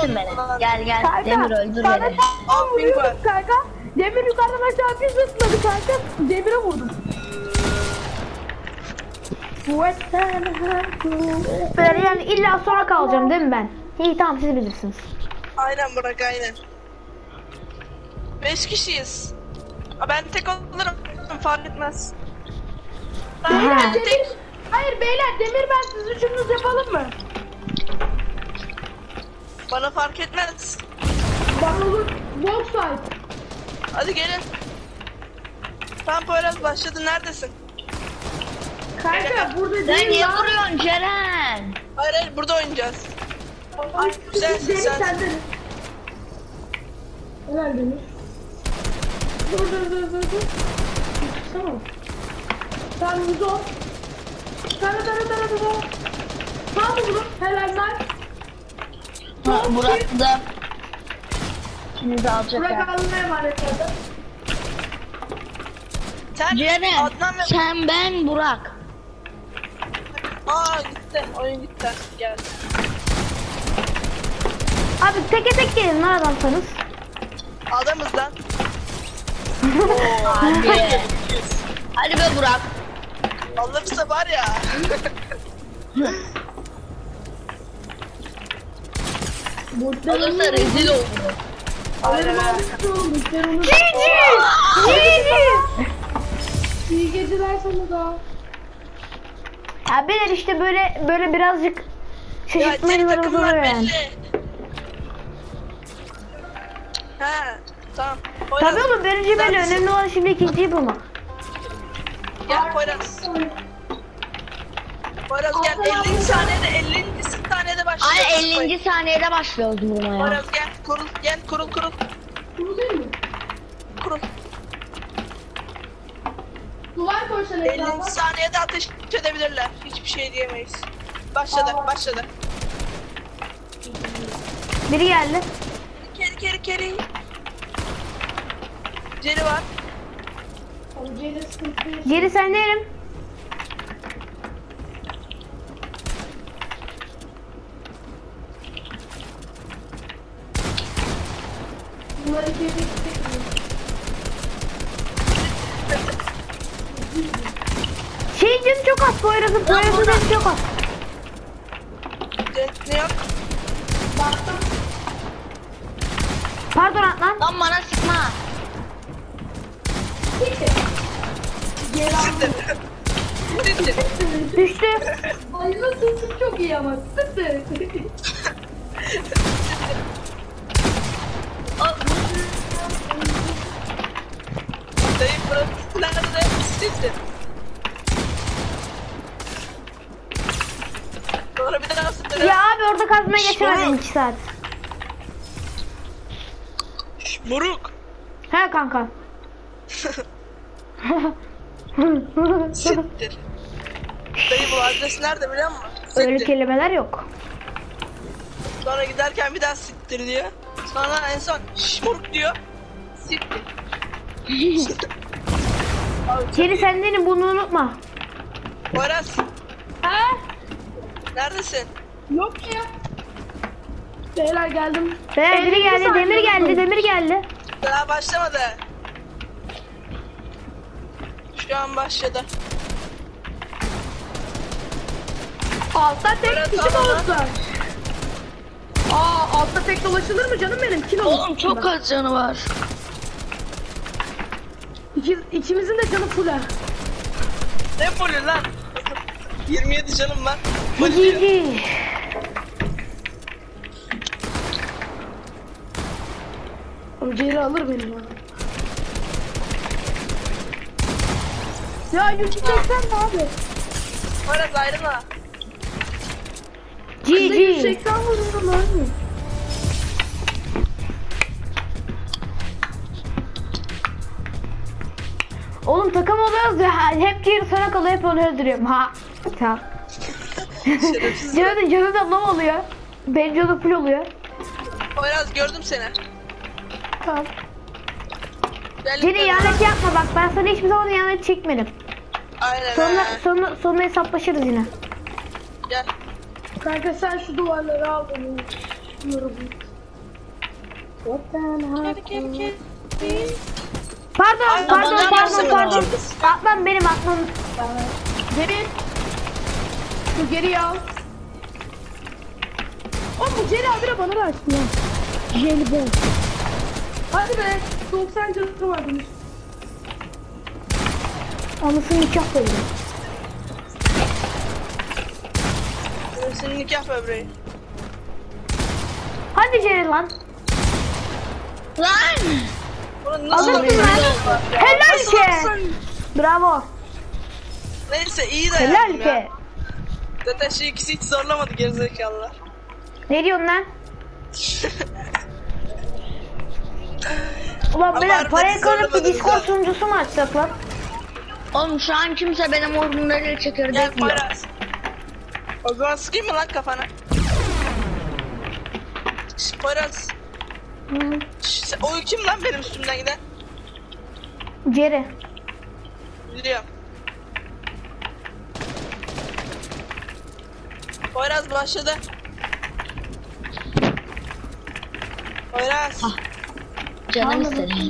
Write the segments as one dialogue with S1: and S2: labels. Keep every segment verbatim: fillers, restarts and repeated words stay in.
S1: öldürmesin beni. Gel gel
S2: Kanka,
S1: Demir öldür
S2: sana
S1: beni.
S2: tam vuruyordum kanka. Demir yukarıdan aşağı bir zıpladı kanka. Demire vurdum. Böyle yani illa sonra kalacağım değil mi ben? İyi tamam siz bilirsiniz.
S3: Aynen Burak aynen. Beş kişiyiz. Aa, ben tek olurum. Fark etmez. Ben,
S2: Beyler
S3: ben
S2: demir.
S3: tek.
S2: Hayır beyler demir ben siz üçünüz yapalım mı?
S3: Bana fark etmez.
S2: Bana olur. Walk fight.
S3: Hadi gelin. Tamam Poyraz başladı. Neredesin?
S2: Kanka burada
S1: Sen
S2: değil
S1: niye
S2: lan.
S1: vuruyorsun Ceren?
S3: Hayır hayır burada oynayacağız.
S2: Ay,
S3: Sensin,
S2: Demir
S3: sensin.
S2: sende. Helal Demir. Dur dur dur dur dur. Tamam. Tamam yüz on. Tara tara tara tara. Tamam bunu. Helal lan.
S1: Ha, Burak da. Şimdi alacak
S2: Bırak
S1: ya.
S2: Allah'a emanet olun.
S3: Sen
S1: Ceren
S3: Adnan ve...
S1: sen ben Burak.
S3: Aa gitti. Oyun gitti. Gel.
S2: Abi teke tek gelin lan adamsanız.
S3: Adamız lan.
S1: Hadi. Hadi be Burak.
S3: Alırsa var ya.
S1: Olursa rezil olur.
S3: Aynen ha.
S2: İyi geceler sana da. Ya beyler işte böyle böyle birazcık
S3: Ya senin
S2: şaşırtmalarımız
S3: takımlar
S2: oluyor yani.
S3: belli. He tamam. Poyraz,
S2: Tabii oğlum birinci belli,
S3: neredesin?
S2: önemli olan şimdi ikinciyi bulmak.
S3: Gel Poyraz. Poyraz gel. ellinci saniyede ellinci saniyede başlıyoruz.
S1: Ay ellinci saniyede başlıyoruz vurmaya.
S3: Poyraz gel. Kurul gel. Kurul kurul.
S2: Bu değil mi?
S3: Kurul.
S2: Duvar koysan
S3: ellinci saniyede ateş edebilirler. Hiçbir şey diyemeyiz. Başladı. Başladı.
S2: Biri geldi.
S3: Keri keri keri. Ceri var.
S2: Geri sen değilim. Bunları geri Şey canı çok az, Poyraz'ın Poyraz'ın canı çok az.
S3: Ce- Ne yok?
S2: Pardon Atlan.
S1: Lan bana sıkma.
S3: Siktir. Siktir.
S2: Düştü. Ayının sesi çok iyi ama. Sıktı.
S3: Dayı burası nerede? Siktir. Sonra bir daha sıktır.
S2: Ya abi orada kazmaya geçemedim iki saat.
S3: Şş, Moruk.
S2: He kanka.
S3: Siktir. Dayı bu adres nerede biliyor musun?
S2: Öyle
S3: Siktir.
S2: kelimeler yok.
S3: Sonra giderken bir daha siktir diyor. Sonra en son şş moruk diyor. Siktir. Abi,
S2: Geri sendenin bunu unutma.
S3: Poyraz
S2: He?
S3: neredesin?
S2: Yok ya. Beyler geldim. Beyler biri geldi, demir geldi, demir geldi.
S3: Daha başlamadı. Şu an başladı.
S2: Altta tek
S3: Bırak
S2: kişi
S3: tamam.
S2: olsa. Aa altta tek dolaşılır mı canım benim? Kilo
S1: Oğlum çok az canı var.
S2: İki, ikimizin de canı full ha.
S3: Ne poli lan? yirmi yedi canım var. Poli diyor.
S2: Cici. Ciğeri alır benim ha. Ya yüz seksen mi abi?
S3: Poyraz ayrılma.
S2: Cici. yüz seksen vururum abi. Oğlum takım oluyoruz ya. Hep ciğeri sana kalıyor, hep onu öldürüyorum. Ha. Ha.
S3: Şerefsiz.
S2: Canı, canı da ne oluyor? Benim canım full oluyor.
S3: Poyraz gördüm seni.
S2: Tamam.
S3: Gel
S2: Cini
S3: yukarı.
S2: ihanet yapma bak, ben sana hiçbir zaman ihanet çekmedim.
S3: Aynen
S2: Sonra,
S3: ha.
S2: sonra, sonra hesaplaşırız yine.
S3: Gel.
S2: Kanka sen şu duvarları al beni. Şunları
S3: Kedi kedi kedi.
S2: Pardon,
S3: Ay,
S2: pardon,
S3: aman
S2: pardon,
S3: Allah'ım.
S2: pardon. Atlan benim aklım. Geri. Dur geri al. Oğlum bu Jerry abi de bana da açtı ya. Jerry ben. Hadi be. doksan canı var demiş. Anasını nikah koydu.
S3: Senin nikah böbreği.
S2: Hadi Jerry lan.
S1: Lan!
S3: Bunu nasıl
S2: Alırsın
S3: rezil
S2: lan.
S3: oldular ya?
S2: Helal
S3: Nasıl
S2: ki.
S3: alırsın?
S2: Bravo.
S3: Neyse iyi de
S2: Helal
S3: yaptım ya.
S2: ki.
S3: Zaten şu ikisi hiç zorlamadı gerizekalılar.
S2: Ne diyorsun lan? Ulan
S3: Ama
S2: beyler
S3: harbiden
S2: parayı
S3: hiç
S2: kırıp bir
S3: zorlamadınız
S2: Discord
S3: ha.
S2: sunucusu mu açsak lan?
S1: Oğlum şu an kimse benim ordumları
S3: Gel
S1: çekirdek yiyor.
S3: Poyraz. O zaman sıkayım mı lan kafana? Şş, Poyraz.
S2: Hı.
S3: Şş, sen- o kim lan benim üstümden giden?
S2: Jerry.
S3: Biliyorum. Poyraz başladı. Poyraz.
S1: Ah. Canım
S2: Anladım.
S1: istedi.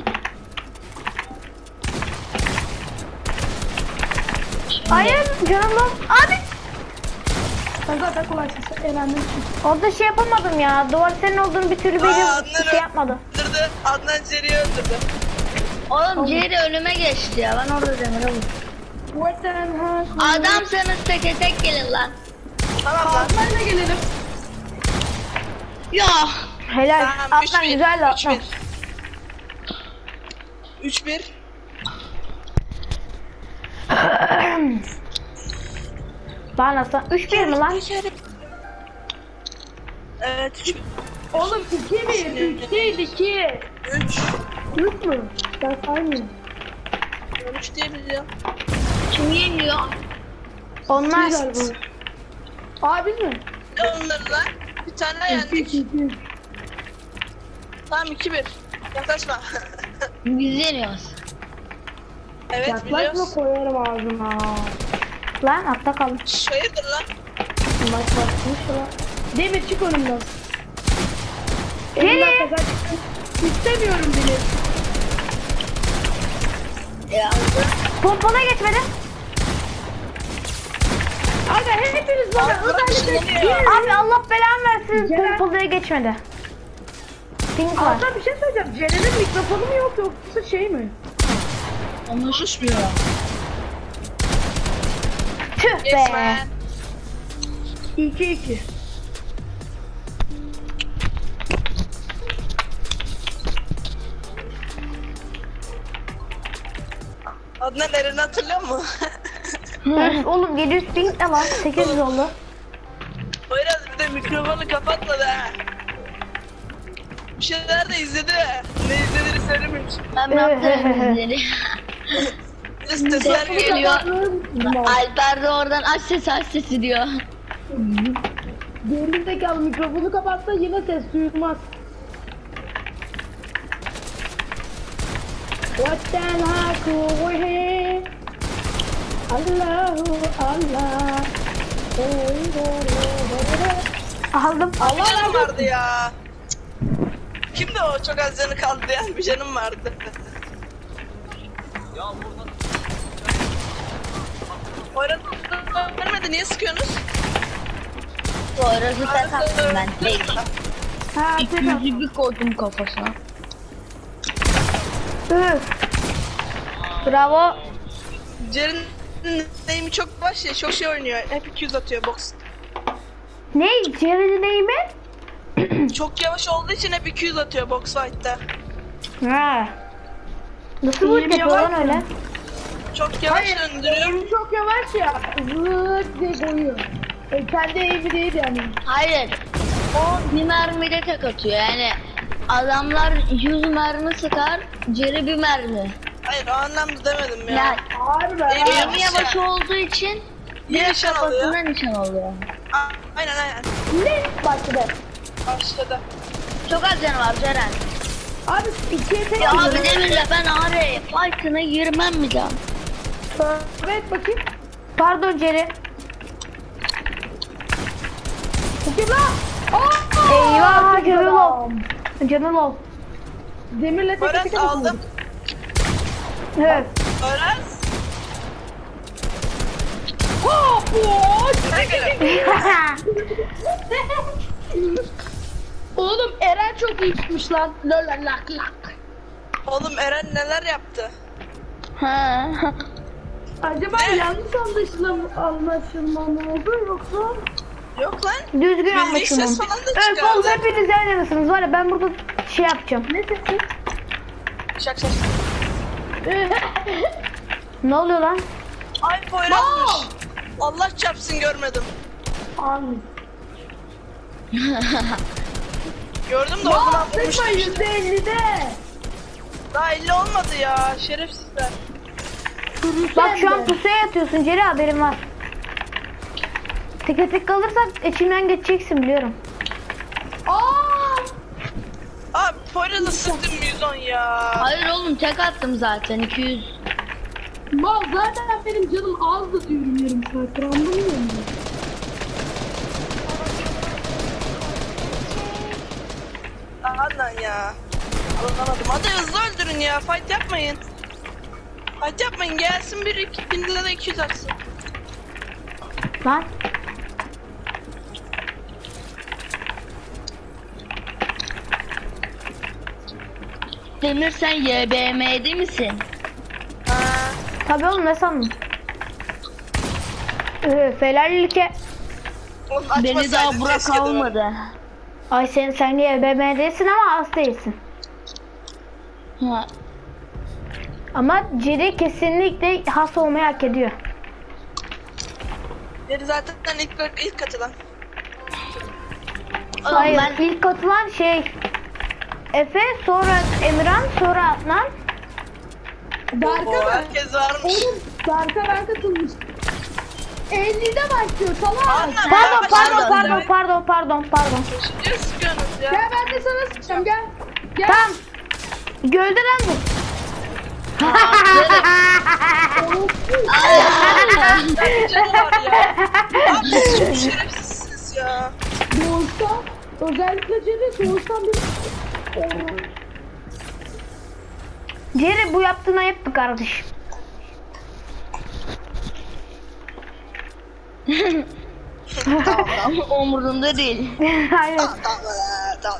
S2: Hayır canım lan. Abi. Ben zaten kolay sesi eğlendim. Orada şey yapamadım ya. Duvar senin olduğunu bir türlü
S3: Aa,
S2: benim
S3: Adnan'ı
S2: şey yapmadı.
S3: Öldürdü. Adnan Jerry'i öldürdü.
S1: Oğlum Jerry önüme geçti ya. Ben orada demire vurdum. Adamsanız teke tek gelin lan.
S3: Tamam lan.
S2: Adnan'la gelelim.
S1: Ya.
S2: Helal.
S3: Tamam, üç
S2: Atlan
S3: bir,
S2: güzel de
S3: üç
S2: atlan.
S3: bir. üç bir.
S2: Lan aslan. üç bir mi lan?
S3: Evet üç bir.
S2: Oğlum iki bir. üç değil iki.
S3: üç.
S2: üç mü? Ben saymıyorum.
S3: üç diye biliyorum.
S1: Kim yeniyor?
S2: Onlar
S3: Biz-
S2: galiba. Abi mi?
S3: Ne onları lan? Bir tane yendik. Tamam iki bir. Yaklaşma.
S1: Biz yeniyoruz.
S3: Evet
S2: Yaklaşma
S3: biliyoruz.
S2: koyarım ağzına. Lan altta kalın.
S3: Şş, hayırdır lan?
S2: Bak bakmış lan. Demir çık önümden. Geri. İstemiyorum bile.
S1: Ya.
S2: Pompona geçmedi. Aga hepiniz bana
S3: Abi, bırak
S2: özellikle
S3: şunu ya.
S2: Abi Allah belanı versin. Pompolaya geçmedi. Pink var.
S4: Hatta bir şey söyleyeceğim. Ceren'in mikrofonu mu yok yoksa şey mi?
S1: Konuşmuyor.
S2: Tüh be.
S3: Geçme.
S4: iki iki.
S3: Adnan Eren'i hatırlıyor musun?
S2: Öf, oğlum yedi yüz pink ne lan? sekiz yüz oldu.
S3: Poyraz bir de mikrofonu kapatmadı ha. Bir şeyler de izledi. Ne izlediğini söylememiş.
S1: Ben yaptım izleri.
S3: Bir de sesler
S1: Ses
S3: geliyor.
S1: geliyor. Alper de oradan aç ses aç sesi diyor.
S4: Gerizekalı mikrofonu kapatsa yine ses duyulmaz. Vatan haku vehe Allahu Allah.
S2: Aldım.
S3: Bir canım vardı ya. Kimdi o? Çok az canı kaldı yani bir canım vardı. Poyraz vermedi niye sıkıyorsunuz?
S1: Sonrası ses attım ben. Tek.
S4: Ha
S1: İki yüzü bir koydum kafasına.
S2: Üf. Bravo.
S3: Cerin neyimi çok baş ya, çok şey oynuyor. Hep iki yüz atıyor box.
S2: Ne? Jerry'nin neyi mi?
S3: Çok yavaş olduğu için hep iki yüz atıyor box fight'ta.
S2: Ha. Nasıl bu yapıyor lan öyle?
S3: Çok yavaş döndürüyor.
S4: Eğimi çok yavaş ya. Zıt diye koyuyor. E, kendi eğimi değil yani.
S1: Hayır. O bir mermide tek atıyor yani. Adamlar yüz mermi sıkar, Jerry bir mermi.
S3: Hayır o anlamda demedim ya.
S1: Yani
S4: Harbi
S3: Eğimi
S4: ha.
S1: eğimi yavaş olduğu için
S3: Bir
S1: direkt
S3: nişan alıyor.
S1: kafasına nişan alıyor.
S3: Aa, aynen aynen.
S4: Ne başladı?
S3: Başladı.
S1: Çok az canı var Ceren.
S4: Abi ikiye tek
S1: Ya abi
S4: gidiyor.
S1: demirle ben araya fight'ına girmem mi can?
S4: Evet bakayım.
S2: Pardon Jerry.
S4: Bakayım lan. Aa!
S2: Eyvah canı low. Canı low.
S4: Demirle tek
S3: Poyraz
S4: tek
S3: aldım.
S4: Evet.
S3: Poyraz.
S4: Hop hop.
S3: Ne göre?
S4: Oğlum Eren çok iyi tutmuş lan. Lol lak lak.
S3: Oğlum Eren neler yaptı?
S1: Ha.
S4: Acaba yanlış anlaşılma, anlaşılma mı oldu yoksa?
S3: Yok lan.
S5: Düzgün
S3: Milli
S5: anlaşılmam.
S3: ses falan da
S5: Evet oğlum
S3: çıkardı.
S5: hepiniz aynısınız. Var ya ben burada şey yapacağım.
S4: Ne sesi?
S3: Şak şak.
S5: Ne oluyor lan?
S3: Ay Poyraz'mış. Allah çarpsın görmedim.
S4: Amin.
S3: Gördüm de o zaman
S4: Sıkma
S3: vurmuştum işte.
S4: yüzde ellide.
S3: Daha elli olmadı ya şerefsizler.
S5: Bak şu an pusuya yatıyorsun Ceri, haberin var. Tek tek kalırsak içimden geçeceksin biliyorum.
S4: Aaa.
S3: Abi Poyraz'ı sıktım yüz on ya.
S1: Hayır oğlum tek attım zaten iki yüz.
S4: Mal zaten benim canım azdı diyorum yarım saattir, anlamıyor musun?
S3: Aha lan ya. Anlamadım. Hadi hızlı öldürün ya. Fight yapmayın. Fight yapmayın. Gelsin bir iki bin lira da iki yüz atsın.
S5: Lan.
S1: Demir sen Y B M'de misin?
S3: Ha.
S5: Tabii oğlum ne sandın? Ee, Felalike.
S3: Oğlum
S1: Beni
S3: açmasaydın
S1: daha Burak
S3: keşke de.
S1: almadı.
S5: Ay sen sen niye B M değilsin ama az değilsin.
S1: Ha.
S5: Ama Ceri kesinlikle has olmayı hak ediyor.
S3: Beni zaten ilk, ilk katılan.
S1: Oğlum
S5: Hayır
S1: ben
S5: ilk katılan şey Efe, sonra Emirhan, sonra Adnan.
S4: Berk'a
S3: O
S4: mı?
S3: herkes varmış.
S4: Oğlum Berk'a ben katılmış. ellide başlıyor salak.
S3: Anla.
S5: Pardon
S3: Ya,
S5: pardon
S3: başladı.
S5: pardon pardon pardon pardon.
S3: Ne sıkıyorsunuz ya?
S4: Gel ben de sana sıkacağım gel. Gel.
S5: Tamam. Gölde lan bu.
S3: Bir canı var ya. Abi siz çok şerefsizsiniz ya.
S4: Doğuştan özellikle Cedi doğuştan bir...
S5: Ceri bu yaptığın ayıptı kardeşim.
S1: ama umurumda değil.
S5: Hayır.
S3: Tamam tamam tamam.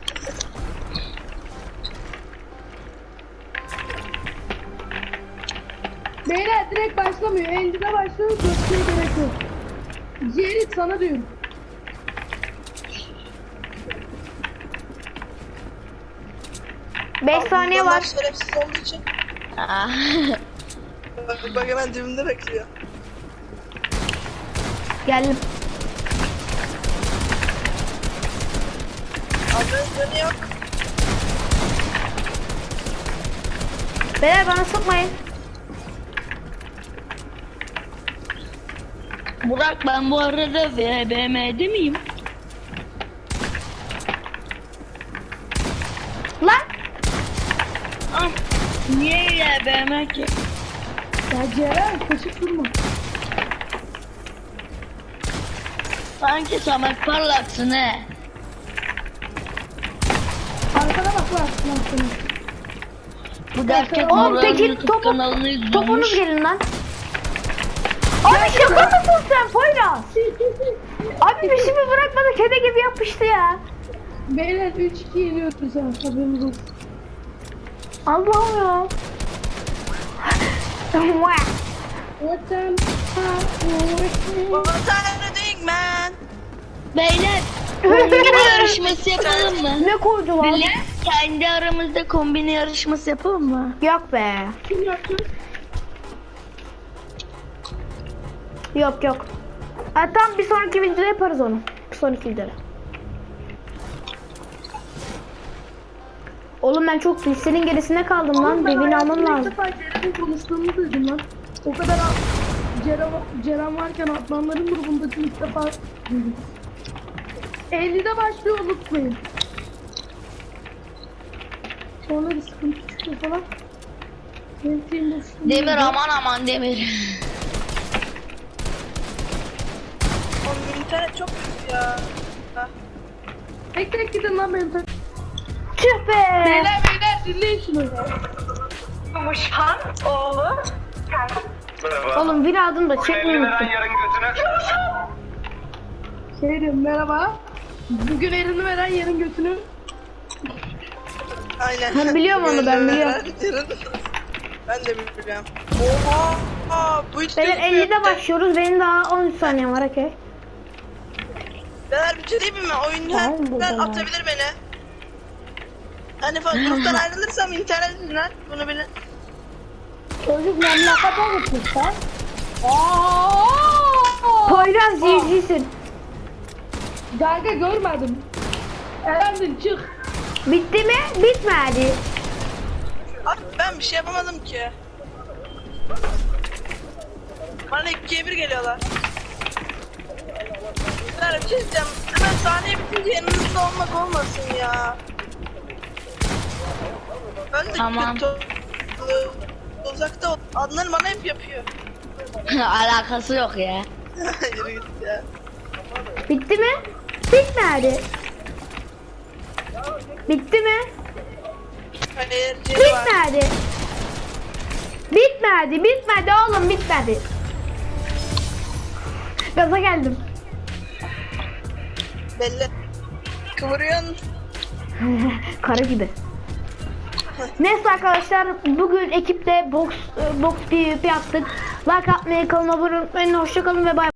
S4: Beyler direkt başlamıyor. ellide başlıyor. Dörtlüğe gerek yok. Cedi sana diyorum.
S5: beş saniye var.
S3: Şerefsiz olduğu için.
S1: Ah.
S3: Bak, bak hemen dibimde bekliyor.
S5: Geldim.
S3: Abi canı yok.
S5: Beyler bana sıkmayın.
S1: Burak ben bu arada Y B M'de miyim?
S5: Lan.
S1: Ah. Niye Y B M ki?
S4: Ya Ceren kaşık durma.
S1: Sanki Samet parlaksın he.
S4: Arkana bak bak. Lan sana.
S1: Bu derken
S5: Oğlum
S1: Burak'ın
S5: peki
S1: YouTube
S5: topu,
S1: kanalını izliyormuş.
S5: topunuz gelin lan. Abi şaka mısın sen Poyraz? Abi peşimi bırakmadı, kedi gibi yapıştı ya.
S4: Beyler üç iki yeniyorsun sen. Haberiniz olsun.
S5: Allah'ım ya.
S4: What the...
S3: What are you doing man?
S1: Beyler kombine yarışması yapalım mı?
S5: Ne koydu lan?
S1: Beyler kendi aramızda kombine yarışması yapalım mı?
S5: Yok be.
S4: Kim yaptı?
S5: Yok yok. Ha, tamam bir sonraki videoda yaparız onu. Bir sonraki videoda. Oğlum ben çok listenin gerisine kaldım lan. Devin almam
S4: İlk
S5: lazım.
S4: defa Ceren'in konuştuğunu duydum lan. O kadar a- Ceren, Ceren varken Adnanların grubundaki ilk defa duydum. ellide başlıyor unutmayın. Sonra bir sıkıntı çıkıyor falan. Benim şeyim boşluğum
S1: Demir
S4: yok.
S1: aman aman Demir.
S3: Oğlum internet çok kötü ya. Ha.
S4: Tek tek gidin lan benim.
S5: Tüh be.
S4: Beyler beyler
S2: dinleyin şunu.
S3: Muşhan oğlu.
S5: Oğlum bir adım da çekmeyi unuttum.
S2: Şey diyorum merhaba. Bugün elini veren yarın götünü.
S3: Aynen.
S5: Ben biliyorum onu, ben biliyorum.
S3: Ben de biliyorum. Oha. Aa, bu hiç
S5: Beyler
S3: gözükmüyor.
S5: ellide başlıyoruz. Benim daha on üç saniyem var okey.
S3: Beyler bitireyim mi? Oyun
S5: Tamam, bu
S3: her
S5: kadar.
S3: atabilir beni. Hani falan gruptan ayrılırsam internet yüzünden bunu bilin.
S4: Çocuk memlekete gitmiş sen.
S2: Aa!
S5: Poyraz Civciv'sin.
S2: Kanka görmedim. Elendin çık.
S5: Bitti mi? Bitmedi.
S3: Abi ben bir şey yapamadım ki. Bana ikiye bir geliyorlar. Beyler bir şey diyeceğim. Hemen saniye bitince yanınızda olmak olmasın ya. Ben de
S1: Tamam.
S3: kötü uzakta ol- Adnan bana hep yapıyor.
S1: Alakası yok ya.
S3: Yürü git ya.
S5: Bitti mi? Bitmedi. Bitti mi?
S3: Hayır, Ceri var.
S5: Bitmedi. Bitmedi. Bitmedi oğlum, bitmedi. Gaza geldim.
S3: Belli. Kıvırıyorsun.
S5: Kara gibi. Neyse arkadaşlar, bugün ekipte box box PvP yaptık. Like atmayı, kanalıma abone olmayı unutmayın. Hoşça kalın ve bay.